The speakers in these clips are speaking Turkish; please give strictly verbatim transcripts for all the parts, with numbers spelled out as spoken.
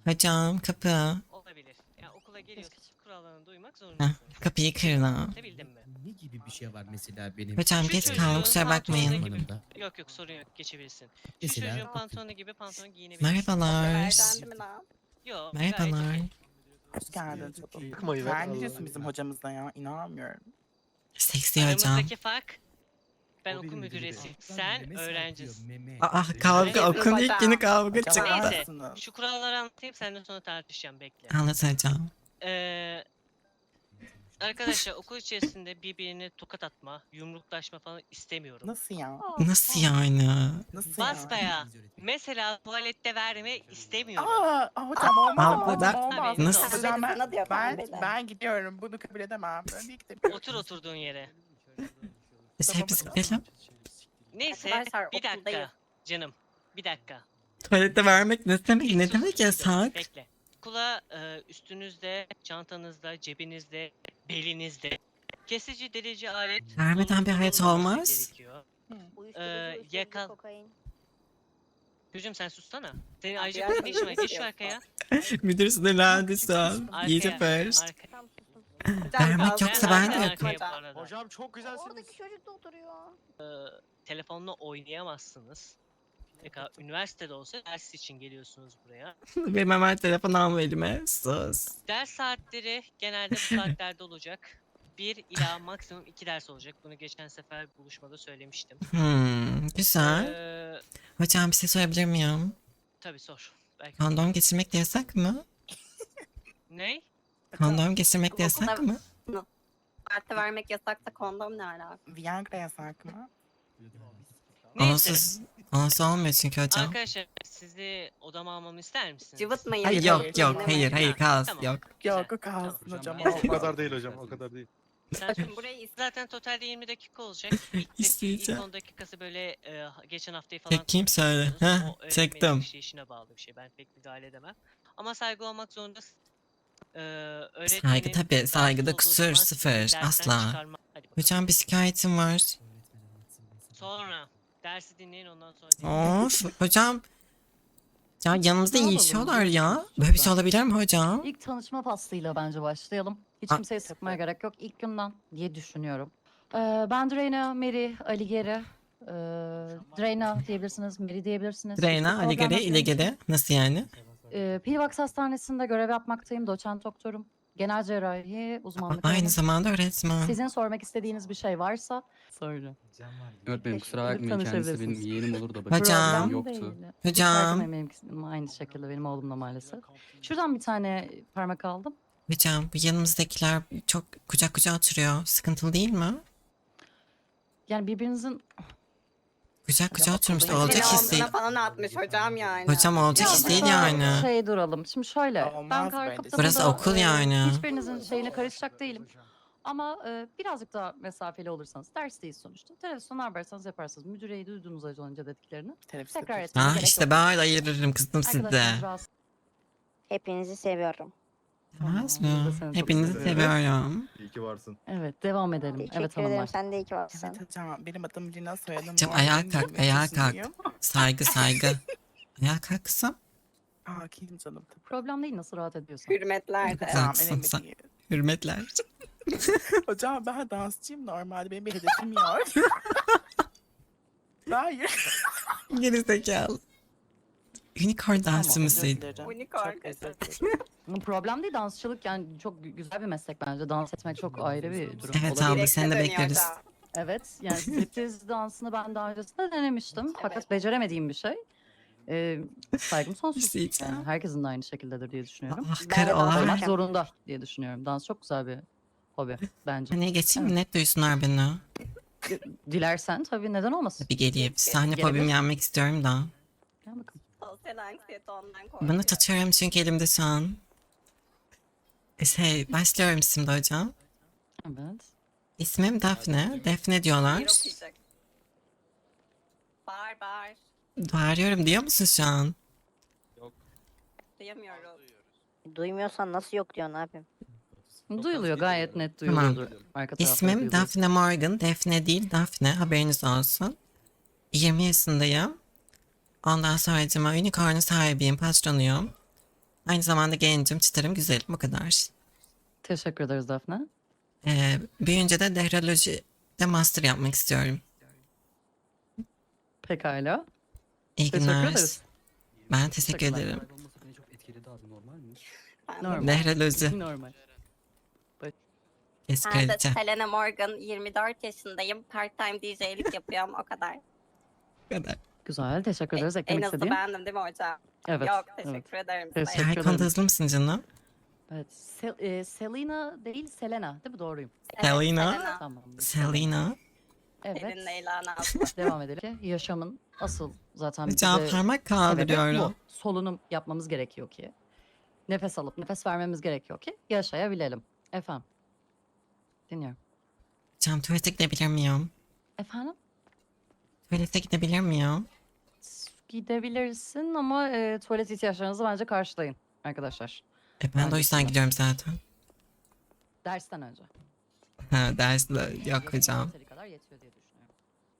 Hocam kapı. Olabilir. Yani okula geliyorsun, kurallarına uymak Heh, zorundasın. kapıyı kırdı. Bildin mi? Ne gibi bir şey var mesela benim? Hocam Şu geç çocuğun kaldım kusura pantolonu bakmayın. gibi... Zamanımda. Yok yok sorun yok geçebilirsin. Şu Mesela çocuğun okul. pantolonu gibi pantolon giyinebilirsin. Merhabalar. Erdendi mi lan? Yok gayet Merhabalar. okey. Hoş geldin Çato. Bakmayın, Sen Allah gidiyorsun Allah. bizim hocamızla ya. İnanmıyorum. Seksi hocam. Aramızdaki fark ben O okul benim müdüresi. müdürüm. Sen Meme öğrencisin. sarkıyor, meme. Aa kavga Neyse, okulun ilk günü kavga Hocam çıktı. Neyse haklısınız. şu kuralları anlatayım senden sonra tartışacağım bekle. Anlat hocam. Ee, arkadaşlar okul içerisinde birbirine tokat atma, yumruklaşma falan istemiyorum. Nasıl ya? Nasıl yani? Nasıl ya? Basbaya. Mesela tuvalette verme istemiyorum. Aa, aa, hocam olmaz. Aa, olmaz, ben- olmaz. Nasıl? Hocam ben, Sana diyor ben, pembeli. ben gidiyorum. Bunu kabul edemem. Ben de gidemiyorum. Otur oturduğun yere. Biz hepimiz gidelim. Neyse Arkadaşlar, bir dakika okuldayız. canım. Bir dakika. Tuvalette vermek ne demek? Ne Sus, demek sus, yasak? Bekle. Okula e, üstünüzde, çantanızda, cebinizde, belinizde kesici delici alet Vermeden bir hayat bulundurulmaması olmaz. gerekiyor. Uyuşturucu, Ee, uyuşturucu, yakal- kokain. Çocuğum sen sussana. Senin Abi, ayrıca yani ne işin var? Geç şu yok. arkaya. Müdür sinirlendi şu an. Arkaya. İyice first. Arkaya. Tam susun. Vermek yoksa ben de Arkaya, yaparım. arkaya bu arada. Hocam çok güzelsiniz. Oradaki çocuk da oturuyor. Telefonla oynayamazsınız. Peki üniversitede olsa ders için geliyorsunuz buraya. Benim hemen telefon alma elime. Sus. Ders saatleri genelde bu saatlerde olacak. Bir ila maksimum iki ders olacak. Bunu geçen sefer buluşmada söylemiştim. Hmm, güzel. Ee, Hocam bir şey sorabilir miyim? tabii sor. Belki Kondom geçirmek de yasak mı? ne? Kondom geçirmek de yasak Okulda- mı? Parti vermek yasaksa kondom ne alaka? Viagra yasak mı? Neyse. Onsuz, onsuz olmuyor çünkü hocam. Arkadaşlar sizi odama almamı ister misiniz? Cıvıtmayın. Hayır Hayır, yok yok hayır hayır kalsın Tamam. yok. Güzel, Yok o kalsın tamam. hocam. Hocam, O olmaz. kadar değil hocam, o kadar değil. Sen Bakın burayı is- zaten totalde yirmi dakika olacak. İlk, ilk İsteyeceğim. on dakikası böyle e, geçen haftayı falan Çekeyim söyle. konuşuyorsunuz. Heh, O öğretmenin çektim. işleyişine bağlı bir şey. Ben pek müdahale edemem. Ama saygı olmak zorundasın. Ee, öğretmenin Saygı tabii, rahatsız saygıda olduğu kusur zaman sıfır, dersten asla. çıkarma- Hadi bakalım. Hocam bir şikayetim var. Sonra dersi dinleyin ondan sonra dinleyin. Of hocam. Ya yanımızda Ne yapalım? yiyişiyorlar ya. Böyle bir şey olabilir mi hocam? İlk tanışma faslıyla bence başlayalım. Hiç Aa. kimseye sıkmaya gerek yok. İlk günden diye düşünüyorum. Ee, ben Dreyna, Mary, Aligeri. Ee, Dreyna diyebilirsiniz, Mary diyebilirsiniz. Dreyna, Hiçbir Aligere, problem yok. İlegere. Nasıl yani? Ee, Pilvax Hastanesi'nde görev yapmaktayım. Doçent doktorum. Genel cerrahi uzmanlık Aynı alanım. zamanda öğretmen. Sizin sormak istediğiniz bir şey varsa sorun. Öğretmenim kusura Gidip bakmayın kendisi benim tanışabilirsiniz. yeğenim olur da bakın Hocam. yoktu. Hiç Hocam. fark etmeyin, benim aynı şekilde benim oğlumla maalesef. Şuradan bir tane parmak aldım. Hocam bu yanımızdakiler çok kucak kucağa oturuyor. Sıkıntılı değil mi? Yani birbirinizin Kucak kucağa oturmuş da okulda olacak yine his değil. Telefonuna falan atmış hocam yani. Hocam olacak Ya his değil burada yani. Şey duralım. Şimdi şöyle. Olmaz ben bence. kar kapsamında, Burası okul e, yani. Hiçbirinizin şeyine karışacak değilim. Ama e, birazcık daha mesafeli olursanız dersteyiz sonuçta. Televizyonu ne yaparsanız yaparsınız. Müdüreyi duydunuz az önce dediklerini. Teneffüste Tekrar dur. etmeye Ah gerek işte yok. böyle ayırırım kızdım size. Arkadaşlarınız rahatsız Hepinizi seviyorum. Demez Tamam, biz de mi? seni çok Hepinizi seviyoruz. seviyorum. İyi ki varsın. Evet devam edelim. Teşekkür Evet ederim. hanımlar. Sen de iyi ki varsın. Evet hocam benim adım Lina soyadım. Hocam Muharrem, ayağa kalk, yirmi ayağa yaşındayım. Saygı saygı. Ayağa kalk kızım. Aa kim canım tabii. Problem değil nasıl rahat ediyorsan. Hürmetler de. Güzel. Tamam Haklısın önemli sen. değil. Hürmetler. Hocam ben dansçıyım normalde benim bir hedefim yok. Hayır. Geri zekalı. Unicorn dansı Tamam, mısın? özür dilerim. Unicorn. Çok özür dilerim. Bu problem değil dansçılık yani çok gü- güzel bir meslek bence. Dans etmek çok ayrı bir durum. Evet Olabilir. abla seni de Direkte dönüyor bekleriz. hocam. Evet yani striptiz dansını ben daha öncesinde denemiştim. Fakat Evet. beceremediğim bir şey. Ee, saygım Bir sonsuz. şey diyeceğim. Yani herkesin de aynı şekildedir diye düşünüyorum. Ah Ben karı de dans olan. Olmak Hocam. zorunda diye düşünüyorum. Dans çok güzel bir hobi bence. Hani geçeyim mi? Net duysunlar beni. Dilersen tabii neden olmasın. Bir geleyim. Sahne Gelebilir. fobimi yenmek istiyorum da. Gel bakalım. Sosyal anksiyete ondan korkuyor. Bunu tutuyorum çünkü elimde şu an. E, Şey başlıyorum şimdi hocam. Evet. İsmim Daphne. Defne diyorlar. Bir okuyacak. Bağır bağır. Bağırıyorum diyor musun şu an? Duyamıyorum. Duymuyorsan nasıl yok diyorsun abim? Duyuluyor gayet net Tamam. duyuluyordur. Arka tarafta İsmim duyuluyor. Daphne Morgan. Defne değil Daphne. Haberiniz olsun. yirmi yaşındayım. Ondan sonra Unicorn'un sahibiyim. Patronuyum. Aynı zamanda gencim, çıtırım, güzelim. Bu kadar. Teşekkür ederiz Defne. Ee, büyüyünce de dehralojide master yapmak istiyorum. Pekala. İyi Teşekkür günler. ederiz. Ben teşekkür Teşekkürler. ederim. Olmasa beni çok etkiledi abi, normal mi? Normal. Dehraloji. Normal. Kes Ben de kraliçe. Selena Morgan, yirmi dört yaşındayım. Part-time D J'lik yapıyorum o kadar. Bu kadar. Güzel. Teşekkür ederiz. en Eklemek hızlı istediğin. bendim değil mi hocam? Evet. Yok evet. teşekkür ederim. Teşekkür size. Her konuda ederim. hızlı mısın canım? Evet. Sel- e, Selena değil Selena değil mi? Doğruyum. Evet, Selena. Tamam. Selena. Evet. Elin Leyla Nazlı. Devam edelim. Yaşamın asıl zaten Hocam bize parmak sebebi kaldırıyorum. bu. Solunum yapmamız gerekiyor ki. Nefes alıp nefes vermemiz gerekiyor ki yaşayabilelim. Efendim. Dinliyorum. Hocam tuvalete gidebilir miyim? Efendim? Tuvalete gidebilir miyim? Gidebilirsin ama e, tuvalet ihtiyaçlarınızı bence karşılayın arkadaşlar. E ben de o Bence yüzden de. gidiyorum zaten. Dersten önce. Ha dersle yok hocam. Yeteri kadar yetiyor diye düşünüyorum.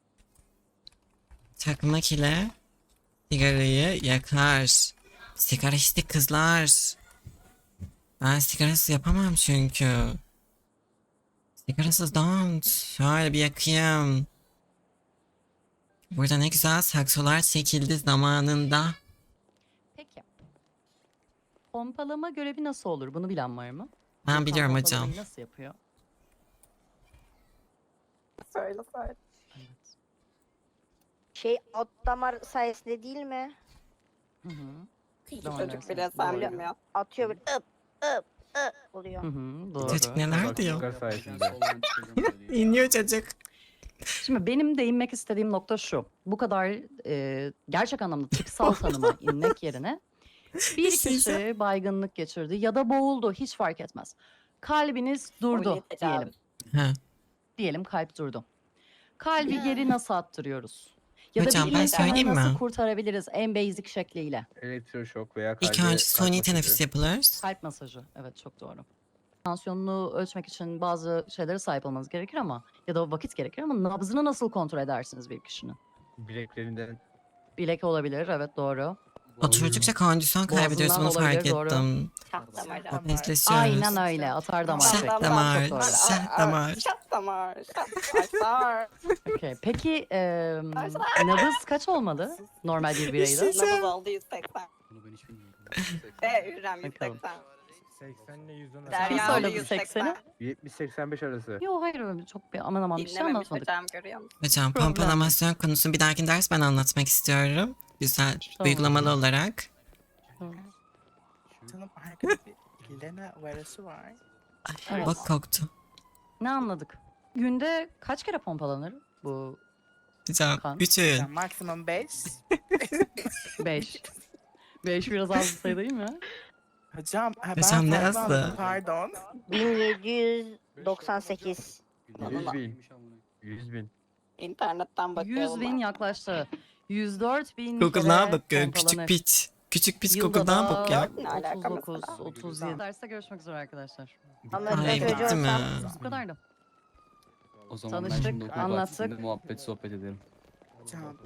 Çakmak ile sigarayı yakar. Sigara içtik kızlar. Ben sigarasız yapamam çünkü. Sigarasız don't. Şöyle bir yakayım. Burada ne güzel saksolar çekildi zamanında. Peki. Pompalama görevi nasıl olur? Bunu bilen var mı? Ben Volkan biliyorum hocam. pompalamayı nasıl yapıyor? Söyle söyle. Evet. Şey alt damar sayesinde değil mi? Hı hı. Çocuk Çocuk bile bile sen sen bilmiyor. Atıyor bir ıp ıp ıp oluyor. Hı hı, doğru. Çocuk neler Bak, diyor? yukarı sayesinde. İniyor çocuk. Şimdi benim değinmek istediğim nokta şu. Bu kadar e, gerçek anlamda tıpsal tanıma inmek yerine bir Size- kişi baygınlık geçirdi ya da boğuldu hiç fark etmez. Kalbiniz durdu Suni diyelim. tecavüz. Ha. Diyelim kalp durdu. Kalbi geri nasıl attırıyoruz? Ya Hocam, da bir ben insanı söyleyeyim nasıl mi? kurtarabiliriz en basic şekliyle? Elektroşok veya İlk kalbe önce suni kalp teneffüs masajı. yapılır. Kalp masajı. Evet çok doğru. Tansiyonunu ölçmek için bazı şeylere sahip olmanız gerekir ama ya da vakit gerekir ama nabzını nasıl kontrol edersiniz bir kişinin? Bileklerinden. Bilek olabilir evet doğru. Oturdukça kondisyon kaybediyoruz bunu Boğazından fark olabilir, doğru. ettim. Şah damarı. Obezleşiyoruz. Aynen öyle atar damar. Şah şekli. damar, Çok doğru. şah damar. Şah damar. Şah damar. Okey. Peki e, nabız kaç olmalı normal bir bireyde? Nabız oldu yüz seksen. Bunu ben hiç bilmiyorum. Ve Hürrem yüz Bakalım. seksen. seksen ile yüz on Derya Kim abla söyledi yüz sekseni? seksen. yetmiş seksen beş arası. Yok hayır öyle çok bir aman aman bir şey Dinlememiş anlatmadık. hocam görüyor musun? Hocam Problem. pompalamasyon konusunu bir dahaki ders ben anlatmak istiyorum. Güzel, Tamam. uygulamalı olarak. Canım arkada bir Lena varası var. Ay, Evet. bak koktu. Ne anladık? Günde kaç kere pompalanır bu Hocam, Kan. bütün. Yani maksimum beş. beş? beş biraz az bir sayı değil mi? Hocam ha, ben Hocam ne fazla yazdı? aldım, Pardon. bin yedi yüz doksan sekiz. yüz bin. yüz bin. İnternetten bakıyorum. yüz bin yaklaştı. yüz dört bin Google'dan kere bakıyor, küçük pompalanır. piç. Küçük piç Yılda Google'dan da bakıyor. Ne alaka otuz dokuz, mesela? otuz yedi. Derste görüşmek üzere arkadaşlar. Ama Ay ben bitti çocuğum mi? sen- Bu kadardı. O zaman ben Tanıştık, şimdi okul anlattık. bahçesinde muhabbet sohbet ederim. Hocam.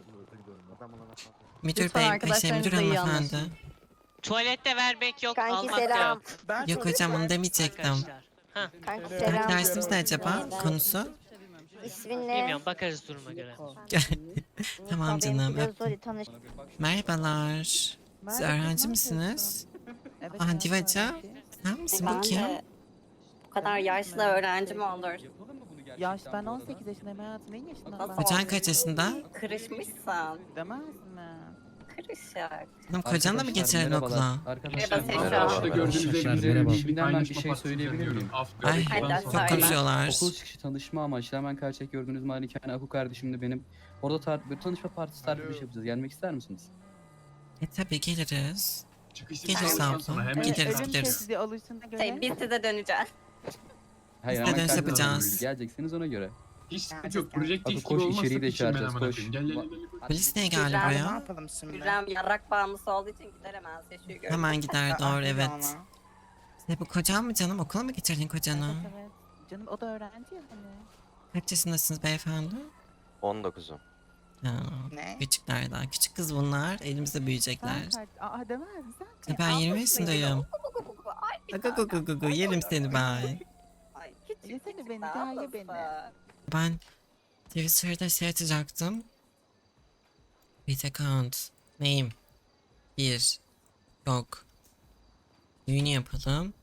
Müdür Lütfen bey, şey, arkadaşlarınızla müdür iyi hanımefendi. anlaşın. Tuvalette vermek yok, Kanki almak da selam. yok. Ben Yok hocam onu demeyecektim. Arkadaşlar. Ha, Kanki Evet. selam. Dersimiz ne acaba? Neyden? Konusu? İsmin ne? bilmiyorum bakarız duruma göre. Tamam Niko, benimki canım, de öptüm. Zori, tanış. Merhabalar. Siz öğrenci misiniz? Aa Divacı. Sen misin Ben bakayım? de bu kadar yaşlı öğrenci mi olur? Yaş ben on sekiz yaşındayım hayatım. Neyin yaşında? Nasıl Kocan kaç yaşında? Kırışmışsın. Demez mi? Kırışık. Hanım kocanla mı Arkadaşlar, geçelim merhabalar. okula? Arkadaşlar Merhaba, merhaba. Tekrar. Burada gördüğünüz Arkadaşlar, üzere merhaba. birbirinden ben bir şey söyleyebilir miyim? Ay Hadi çok söyle. konuşuyorlar. Okul çıkışı tanışma amaçlı hemen karşıdaki gördüğünüz malikane Aku kardeşim de benim. Orada tar bir tanışma partisi tarzı bir şey yapacağız. Gelmek ister misiniz? E tabi geliriz. Çıkış Geliriz sağlıktan abla. sonra hemen Gideriz, Ölüm gideriz. tehdidi alışına göre. Şey, biz size döneceğiz. Hayır Biz de hemen dönüş karşıda yapacağız. geleceksiniz ona göre. Hiç sıkıntı yok. Projektif Hadi gibi koş, olmazsa içeriği de piçim ben çağıracağız, amına koş. koyayım. Gel gel gel. gel. Polis niye geldi Güzel. Ne buraya? yapalım şimdi? Hürrem yarrak bağımlısı olduğu için gider hemen Seçu'yu görür. Hemen gider Aa, doğru hadi evet. ama. Ne bu kocan mı canım? Okula mı getirdin kocanı? Evet evet. Canım o da öğrenci ya hani. Kaç yaşındasınız beyefendi? on dokuzum. Ya, Ne? küçükler daha. Küçük kız bunlar. Elimizde büyüyecekler. Sen kaç? Aa demez sen kaç? Ya ben yirmi yaşındayım. Ay, bir Aga tane. gu gu gu yerim seni ben. Ay, küçük Yesene küçük beni, daha gel ye nasıl? beni. Ben Twitter'da şey atacaktım. Bit account. Neyim? Bir. Yok. Düğünü yapalım.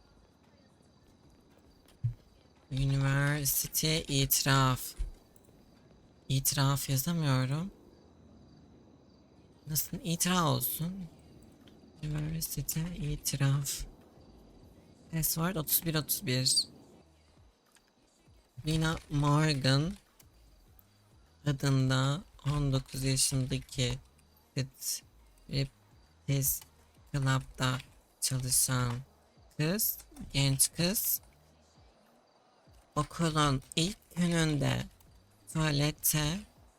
Üniversite itiraf. İtiraf yazamıyorum. Nasıl itiraf olsun? Üniversite itiraf. Password otuz bir otuz bir. Lina Morgan adında on dokuz yaşındaki striptease club'da çalışan kız, genç kız okulun ilk gününde tuvalette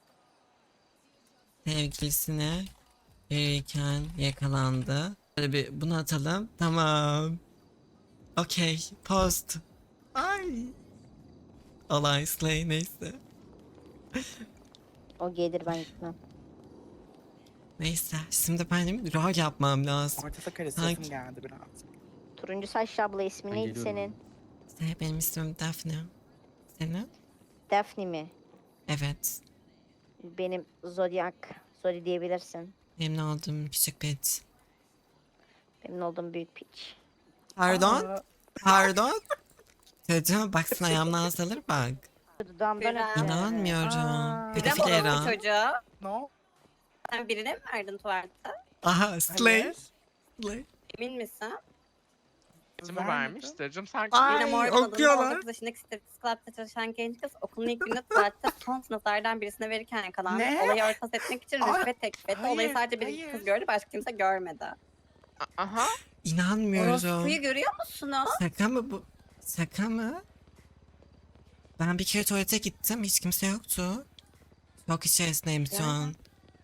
sevgilisine verirken yakalandı. Böyle bir bunu atalım. Tamam. Okey. Post. Ay. Olay slay neyse. O gelir ben gitmem. Neyse. Şimdi benim rol yapmam lazım. Orta karı Sanki- sesim geldi biraz. Turuncu saçlı abla ismi Ben neydi geliyorum. senin? İşte benim ismim Daphne. Senin? Daphne mi? Evet. Benim Zodiac. Zodi diyebilirsin. Benim oldum küçük piç. Benim olduğum büyük piç. Pardon? Aa, Pardon? Çocuğum baksana ayağımdan salır bak. Dudağımdan Biraz. öptü. İnanmıyorum. Aa. Pedofil Neden era. bu çocuğa? no. Sen birine mi verdin tuvalette? Aha slay. Hayır. Slay. Emin misin? Kimi vermiştir canım sen Ay, Yine Morgan adında okuyorlar. on dokuz yaşındaki striptease club'da çalışan genç kız okulun ilk gününde tuvalette son sınıflardan birisine verirken yakalandı. Ne? Olayı örtbas etmek için Ay, rüşvet teklif etti. hayır, Olayı sadece bir hayır. kız gördü, başka kimse görmedi. aha İnanmıyorum. Orospu'yu görüyor musunuz? Şaka mı bu? Şaka mı? Ben bir kere tuvalete gittim. Hiç kimse yoktu. Çok içerisindeyim şu an.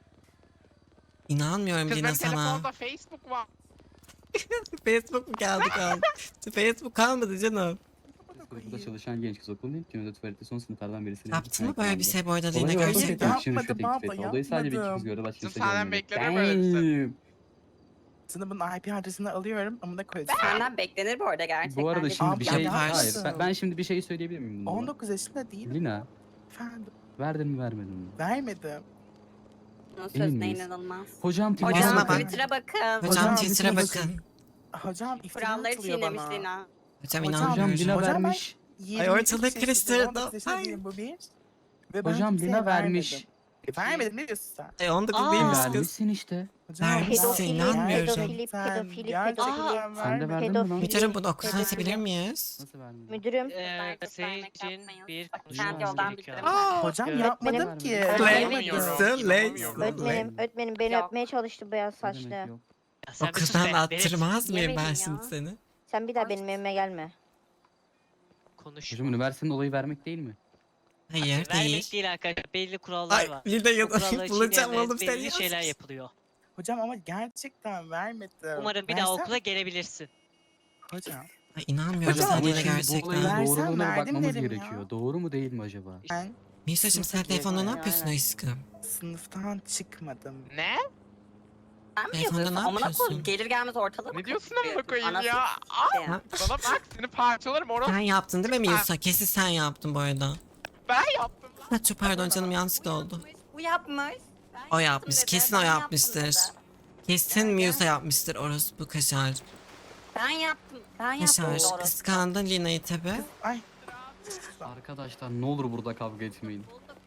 İnanmıyorum kızın Lina sana. telefonda Facebook var. Facebook mu geldi kaldı? Facebook kalmadı canım. Burada çalışan genç kız okulun ilk gününde tuvalette son sınıflardan birisine Yaptın mı böyle bir şey bu arada Lina Olayı örtbas Hayır, gerçekten? etmek için rüşvet yapmadım teklif abla, etti. Olayı sadece bir iki yapmadım. kız gördü, başka Kızım kimse senden görmedi. beklenir böyle bir şey. Damn. Sınıfın I P adresini alıyorum ama da koyacağım. Senden beklenir bu arada gerçekten. Bu arada de. şimdi bir Abla şey... yaparsın. Hayır, ben, ben şimdi bir şey söyleyebilir miyim bununla? on dokuz yaşında değilim. Lina, Efendim. verdin mi vermedin mi? Vermedim. Bunun Emin sözüne miyiz? inanılmaz. Hocam Hocam Hocam bak. Twitter'a bakın. Hocam Hocam, Twitter'a lütfen bakın. Hocam iftira Kuralları atılıyor çiğnemiş bana. Lina. Hocam Hocam, Hocam inanmıyorum. Lina Hocam ben- vermiş. yirmi ortalığı üç yaşındayım, karıştırdım. on dokuz yaşında Ay. değilim, bu bir. Ve ben Hocam kimseye Lina vermiş. vermedim. E, vermedim ne diyorsun sen? E on dokuz Aa. değilmiş kız. Vermişsin işte. Hocam Vermişsin, ben- Pedofili, inanmıyorum. pedofili, Gerçekten, pedofili, gerçekten pedofili. Sen de vermedim. verdin mi lan? Pedofili. Müdürüm bunu okuldan Pedofili. atabilir miyiz? Nasıl vermedin? Müdürüm. Ee, Bence vermek Seyircin yapmayın. bir Bak, konuşmamız kendi yoldan gerekiyor. bildirim. Aa, Hocam Evet. yapmadım ki. Slay. İnanamıyorum. Slay. İnanamıyorum. Öğretmenim, öğretmenim beni Yok. öpmeye çalıştı beyaz Ne demek saçlı. yok? Ya sen bir sus Okuldan be, attırmaz mıyım ben Yemedim şimdi ya. seni? Sen bir daha benim evime gelme. velet. Konuş. Hocam üniversitenin olayı vermek değil mi? Hayır Vermek değil. değil arkadaşlar. Belli kurallar Ay var. Lina O ya kuralları bulacağım çiğneyenlere oğlum seni. belli şeyler yapılıyor. Hocam ama gerçekten vermedim. Umarım bir daha Versem- okula gelebilirsin. Hocam Ay inanmıyorum Hocam, sana Ama Lina şimdi bu gerçekten. olayın Versem doğruluğuna bir verdim bakmamız derim ya. gerekiyor. Doğru mu değil mi acaba? ben Nisa'cığım sen Sınıfa telefonda ne girdim. yapıyorsun Aynen. aşkım? sınıftan çıkmadım. Ne? Sen mi Telefonda yazıyorsun? ne Amına yapıyorsun? koyayım. Gelir gelmez ortalığı mı Ne diyorsun karıştırıyorsun? amına koyayım Anasını ya? sikeyim. Ha? Bana bak seni parçalarım orası. Sen yaptın değil mi Musa? Kesin sen yaptın bu arada. Ben yaptım lan. Ha, çok pardon canım yanlışlıkla oldu. Bu yapmış. Ben O yaptım yapmış. dedi, Kesin ben o yaptım yapmıştır. dedi. Kesin Musa yapmıştır orospu kaşar. Ben yaptım. Ben yaptım. Kaşar. doğru. Kıskandın Lina'yı tabi. Ay. Arkadaşlar ne olur burada kavga etmeyin.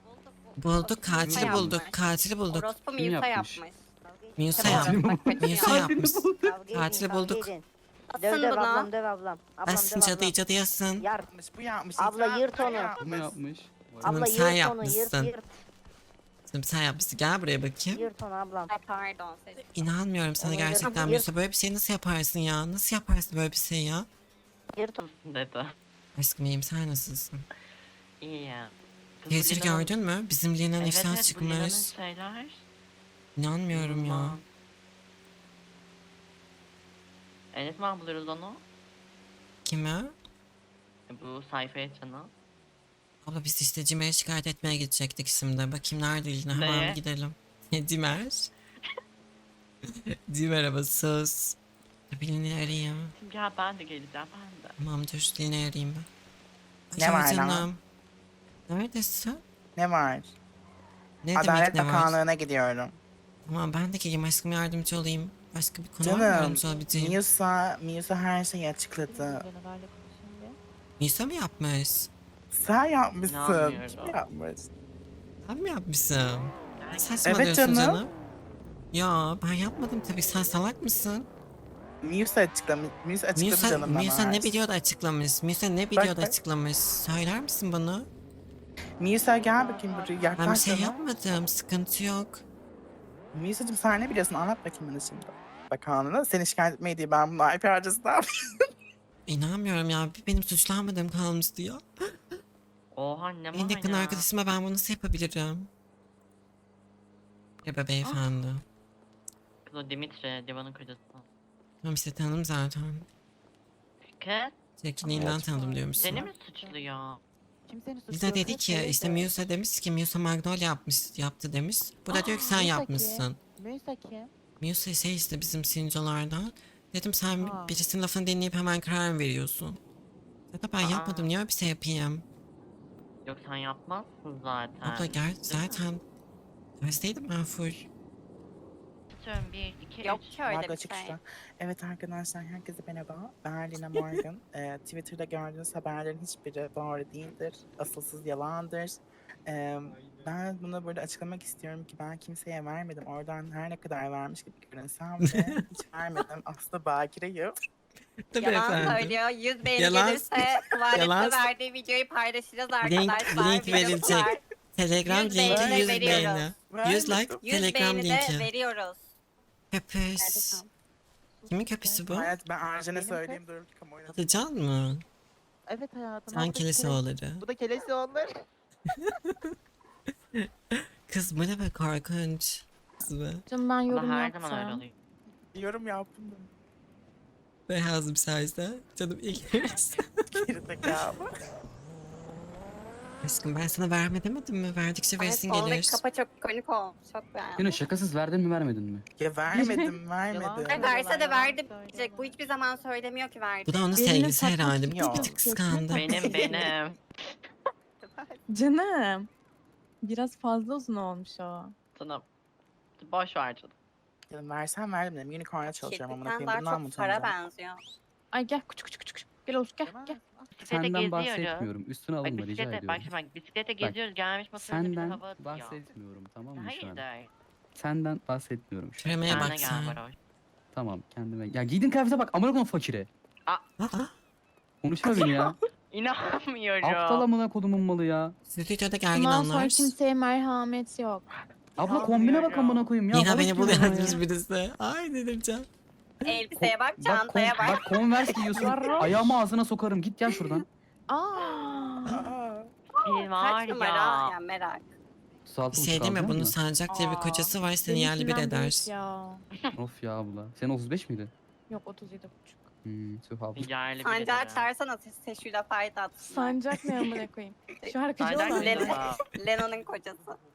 Bulduk katili Yapmış. bulduk. Katili bulduk. Orospu Kim Musa yapmış? yapmış. Musa Tamam, yapmış. bak, kötü Musa ya. yapmış. Kavga edin, Katili kavga bulduk. edin. Asın Döv döv buna. ablam döv ablam. Ablam Asın döv cadı ablam. cadı yasın. Yar. Yapmış, bu yapmış. Abla itiraf yırt onu. yapmış. Kim yapmış? Canım, Abla sen yırt onu yırt yapmışsın. yırt. Canım sen yapmışsın. Gel buraya bakayım. Yırt onu ablam. Ay pardon. Selim. İnanmıyorum sana Onu gerçekten yırt- Musa. Böyle bir şey nasıl yaparsın ya? Nasıl yaparsın böyle bir şey ya? Yırt onu. Dedi. Aşkım iyiyim sen nasılsın? İyi ya. Twitter gördün mü? Bizim Lina'nın ifşa çıkmış. şeyler. İnanmıyorum ya. Evet mi buluyoruz onu? Kime? Bu sayfaya açanı. Abla biz işte Cimer'e şikayet etmeye gidecektik şimdi. Bakayım nerede yine hemen Neye? bir gidelim. Cimer. Cimer ama sus. Birini arayayım. Ya ben de geleceğim ben de. Tamam dur Dilin'i arayayım ben. Ne Alo var lan? canım. Neredesin? Ne var? Ne demek Adalet ne var? Bakanlığı'na gidiyorum. Tamam ben de geleyim aşkım yardımcı olayım. Başka bir konu var mı Canım, yardımcı olabileceğim? Miusa, Miusa her şeyi açıkladı. Nisa mı yapmış? Sen yapmışsın. İnanmıyorum. Kim yapmış? Ben mi yapmışım? Ne saçmalıyorsun canım. canım? Ya ben yapmadım tabii sen salak mısın? Miusa açıklamış. Miusa açıkladı Musa, canım bana. Musa her ne şeyi. videoda açıklamış? Musa ne videoda bak. açıklamış? Söyler misin bana? Miusa gel bakayım buraya. Ben bir Yaklaş şey canım. yapmadım sıkıntı yok. Miusa'cığım sen ne biliyorsun? Anlat bakayım bana şimdi. Bakanlığına seni şikayet etmeyi diye ben bunu I P harcası ne yapayım? İnanmıyorum ya bir benim suçlanmadığım kalmıştı ya. Oha ne En yakın arkadaşıma ben bunu nasıl yapabilirim? Merhaba beyefendi. Kız o Dimitri, Divan'ın kocası. Tamam işte tanıdım zaten. Kız Çekiliğinden tanıdım diyormuşsun. seni mi suçluyor? Kimsenin suçu Lisa yok. dedi Hep ki böyle işte de. Musa demiş ki Musa Magnolia yapmış, yaptı demiş. Bu da diyor ki sen Musa yapmışsın. Müsa kim? Musa şey işte bizim sincolardan. Dedim sen Aa. birisinin lafını dinleyip hemen karar mı veriyorsun? Zaten ben Aa. yapmadım niye öyle bir şey yapayım? Yok sen yapmazsın zaten. Abla gel zaten dersteydim ben full. Atıyorum bir, iki, Yok üç. ki öyle Margo bir açık şey. şu an. Evet arkadaşlar herkese merhaba. Ben Lina Morgan. Ee, Twitter'da gördüğünüz haberlerin hiçbiri doğru değildir. Asılsız yalandır. Ee, ben bunu burada açıklamak istiyorum ki ben kimseye vermedim. Oradan her ne kadar vermiş gibi görünsem de hiç vermedim. Aslında bakireyim. Tabii Yalan efendim. söylüyor. yüz beğeni Yalan- gelirse tuvalette Yalan- verdiği videoyu paylaşacağız Link- arkadaşlar. link Videosu verilecek. var. Telegram yüz linki beğeni yüz veriyoruz. beğeni. yüz like yüz Telegram beğeni de linki. veriyoruz. Köpüs. Nerede Kimin köpüsü bu? Hayat ben Arjen'e Benim söyleyeyim durum ki kamuoyuna. Atacan mı? Evet hayatım. Sen abla kilise kele- oğulları. Bu da kelesi olur. Kız bu ne be korkunç. Kız be. Canım ben Ama yorum her zaman öyle yaptım. oluyor. Yorum yaptım da. Beyazım sayesinde. Canım ilk Gerizekalı. Aşkım ben sana verme demedim mi? Verdikçe Ay, versin sondaki gelir. kapa çok ikonik olmuş. Çok beğendim. Yine şakasız verdin mi vermedin mi? Ya vermedim vermedim. Ay, verse de verdi diyecek. Bu hiçbir zaman söylemiyor ki verdi. Bu da onun Birinin sevgilisi saçma herhalde. fikri Bir yok. tık kıskandı. Benim benim. Canım. Biraz fazla uzun olmuş o. Sana boş ver canım. Dedim versen verdim dedim. Unicorn'a çalışıyorum amına Kirpikten koyayım. daha Bundan mı çok para utanacağım? benziyor. Ay gel küçük küçük küçük. Gel Oğuz gel gel. Bisiklete Senden geziyoruz. bahsetmiyorum. Üstüne Bak alınma rica bisiklete, ediyorum. bak şimdi bak bisiklete geziyoruz gelmiş motorunu bize Senden hava atıyor. bahsetmiyorum tamam mı şu an? Hayır Senden bahsetmiyorum şu an. Kremeye Kendine bak gel sen. Baroş. Tamam kendime. Ya giydin kıyafete bak amına koyayım fakire. Aa, Konuşma beni ya. İnanmıyorum. Aptal amına kodumun malı ya. Stüdyoda gergin Bundan sonra anlar. kimseye merhamet yok. Abla kombine bak amına koyayım ya. Yine balık beni gibi buluyor ama ya. yazmış birisi. Ay dedim can. Elbiseye bak, Bak, çantaya kon- bak. bak Converse giyiyorsun. Varoş. Ayağımı ağzına sokarım. Git gel şuradan. Aa. Aa, Bir var Kaç numara? ya. Ya merak. Bir şey değil mi? Bunun Sancak diye bir Aa, kocası var seni yerli bir benimkinden eder. büyük Ya. Of ya abla. Senin otuz beş miydi? Yok otuz yedi buçuk. Hmm, tüh abla. Yerli bir Sancağı de. çağırsana Seşu'yla fayda atsınlar. Sancak ne amına koyayım. Şu arkadaşı Sancak olan. Leno- Leno. Leno'nun kocası.